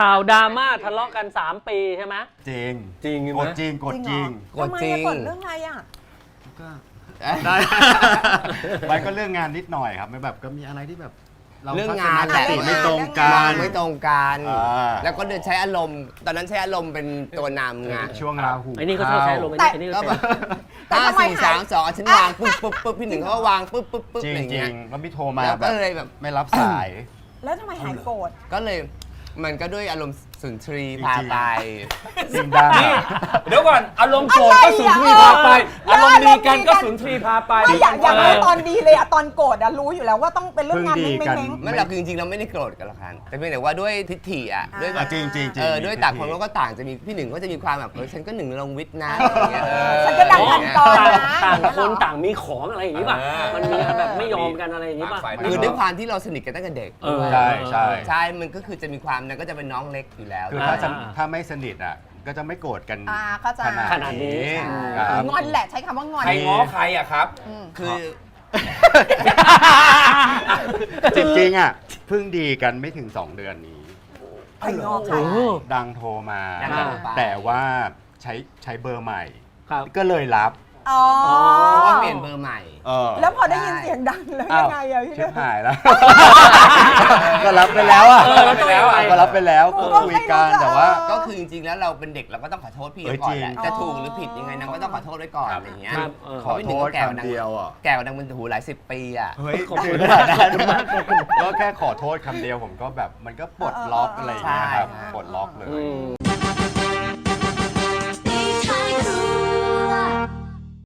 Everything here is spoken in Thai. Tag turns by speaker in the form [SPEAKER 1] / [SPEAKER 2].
[SPEAKER 1] ข่าวดราม่าทะเลาะกัน3 ปีใช่ไหม
[SPEAKER 2] จริง
[SPEAKER 1] จริงไหม
[SPEAKER 2] กดจริงกดจริง
[SPEAKER 3] กดจริงกดเรื่องอะไรอ่ะ
[SPEAKER 2] ก็ได้มันก็เรื่องงานนิดหน่อยครับไม่แบบก็มีอะไรที่แบบ
[SPEAKER 4] เรื่องงาน
[SPEAKER 2] ทัศนคติไม่ตรงกั
[SPEAKER 4] วาน งไม่ตรงกัน
[SPEAKER 2] แล้ว
[SPEAKER 4] ก็เดินใช้อารมณ์ ตอนนั้นใช้อารมณ์เป็นตัวนำไง
[SPEAKER 2] ช่วงราหู
[SPEAKER 1] ไอ้นี่ก็ชอบใช้ลมณ์ไอ้นี่ก็
[SPEAKER 4] ก็
[SPEAKER 1] ใช้
[SPEAKER 4] แบบ
[SPEAKER 3] แต่
[SPEAKER 4] ห้า
[SPEAKER 3] ทำไม
[SPEAKER 4] สี่สามสองฉันวางปุ๊บปุ๊บปุ๊บพี่หนึ่งเขาก็วางปุ๊บปุ๊บปุ๊บ
[SPEAKER 2] จริ
[SPEAKER 4] อะ
[SPEAKER 2] ง
[SPEAKER 4] ไรอย่าง
[SPEAKER 2] จริ
[SPEAKER 4] เงี้
[SPEAKER 2] ง
[SPEAKER 4] ย
[SPEAKER 2] แล้วพี่โทรมา
[SPEAKER 4] แล้ว
[SPEAKER 2] แบ
[SPEAKER 4] ก็
[SPEAKER 2] บ
[SPEAKER 4] เลยแบบ
[SPEAKER 2] ไม่รับสาย
[SPEAKER 3] แล้วทำไมหายโกรธ
[SPEAKER 4] ก็เลยมันก็ด้วยอารมณ์สุนทรีพาไป
[SPEAKER 2] จริงดัง
[SPEAKER 1] นี่เดี๋ยวก่อนอารมณ์โกรธก็สุนทรีพาไป อารมณ์ดีกันก็สุนทรีพาไป
[SPEAKER 3] ไม่อยากรู้ตอนดีเลยอะตอนโกรธอะรู้อยู่แล้วว่าต้องเป็นเรื่องงานเม้ง
[SPEAKER 4] ไม่หรอกคือจริงๆเราไม่ได้โกรธกันหรอกครับแต่เพียงแต่ว่าด้วยทิฏฐิอ่ะด้วยแบบ
[SPEAKER 2] จริงจริงจริง
[SPEAKER 4] ด้วยต่างคนก็ต่างจะมีพี่หนึ่งก็จะมีความแบบฉันก็หนึ่งลงวิทย์นะอะไรอย่างเงี้ย
[SPEAKER 3] ฉันก็ดังทันตอนนะ
[SPEAKER 1] ต่างคนต่างมีของอะไรอย่างนี้ป่ะ มันมีแบบไม่ยอมกันอะไรอย่างนี้ป่ะ
[SPEAKER 4] คือด้วยความที่เราสนิทกันตั้งแต่เด็ก
[SPEAKER 2] ใช่ใช่
[SPEAKER 4] ใช่มันก็คือจะมีความนั้นก็จะเป็นน้องเล็กอยู่แล้ว
[SPEAKER 2] คือถ้าไม่สนิทอ่ะก็จะไม่โกรธกัน
[SPEAKER 3] เข้าใจ
[SPEAKER 1] ขนาดนี้
[SPEAKER 2] ครับ
[SPEAKER 3] งอนแหละใช้คำว่างอน
[SPEAKER 5] ใครง้อใครอะครับ
[SPEAKER 4] คือ
[SPEAKER 2] จริงๆอ่ะเพิ่งดีกันไม่ถึง 2 เดือนนี้
[SPEAKER 3] ใครงอใคร
[SPEAKER 2] ดังโทรมา
[SPEAKER 4] ดังโทรมา
[SPEAKER 2] แต่ว่าใช้เบอร์ใหม่
[SPEAKER 1] ครับ
[SPEAKER 2] ก็เลยรับ
[SPEAKER 3] อ๋อ
[SPEAKER 4] เพราะว่าเปลี่ยนเบอร์ใหม่
[SPEAKER 3] แล้วพอได้ยินเสียงดังแล้วยังไงอะพี่
[SPEAKER 2] ชิ
[SPEAKER 3] เด้
[SPEAKER 2] บหายแล้ว ก็รับไปแล้วอ่ะ
[SPEAKER 1] รับไปแล้วอะ
[SPEAKER 2] ก็รับไปแล้วก็คุยกันแต่ว่า
[SPEAKER 4] ก็คือจริงๆแล้วเราเป็นเด็กเราก็ต้องขอโทษพี่ก่อนแหละ
[SPEAKER 2] จริง
[SPEAKER 4] จะถูกหรือผิดยังไงนางก็ต้องขอโทษไว้ก่อนอะไรอย่างเงี้ย
[SPEAKER 1] ครับ
[SPEAKER 2] ขอโทษคำเดียวอ่ะ
[SPEAKER 4] แก่กว่าดังมันหูหลาย10 ปีอ่ะ
[SPEAKER 2] เฮ้ยถึงขนาดนั้นก็แค่ขอโทษคำเดียวผมก็แบบมันก็ปลดล็อกอะไรอย่างเงี้ยครับ
[SPEAKER 4] ใช่
[SPEAKER 2] ปลดล็อกเลย
[SPEAKER 1] อืม